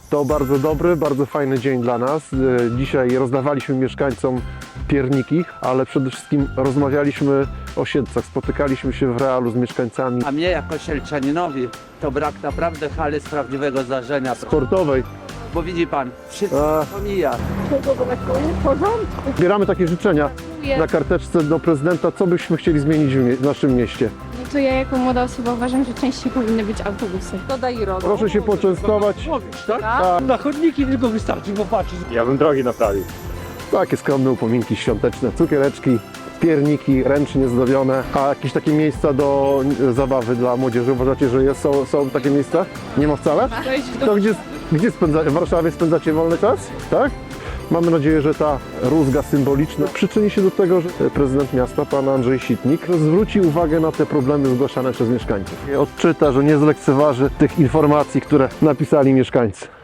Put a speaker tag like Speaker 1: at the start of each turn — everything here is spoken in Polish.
Speaker 1: To bardzo dobry, bardzo fajny dzień dla nas. Dzisiaj rozdawaliśmy mieszkańcom pierniki, ale przede wszystkim rozmawialiśmy o Siedlcach. Spotykaliśmy się w realu z mieszkańcami
Speaker 2: A mnie jako sielczaninowi to brak naprawdę hali z prawdziwego zdarzenia.
Speaker 1: sportowej.
Speaker 2: Bo widzi pan, wszystko pomija.
Speaker 1: Zbieramy takie życzenia na karteczce do prezydenta, co byśmy chcieli zmienić w naszym mieście.
Speaker 3: To ja jako młoda osoba uważam, że częściej powinny być autobusy.
Speaker 4: To daj RODO.
Speaker 1: Proszę się poczęstować.
Speaker 5: Na chodniki tylko wystarczy popatrzeć.
Speaker 6: Ja bym drogi naprawił.
Speaker 1: Takie skromne upominki świąteczne, cukiereczki, pierniki ręcznie zdobione, a jakieś takie miejsca do zabawy dla młodzieży. Uważacie, że są takie miejsca? Nie ma wcale? To gdzie w Warszawie spędzacie wolny czas? Tak? Mamy nadzieję, że ta rózga symboliczna przyczyni się do tego, że prezydent miasta, pan Andrzej Sitnik, zwróci uwagę na te problemy zgłaszane przez mieszkańców. Odczyta, że nie zlekceważy tych informacji, które napisali mieszkańcy.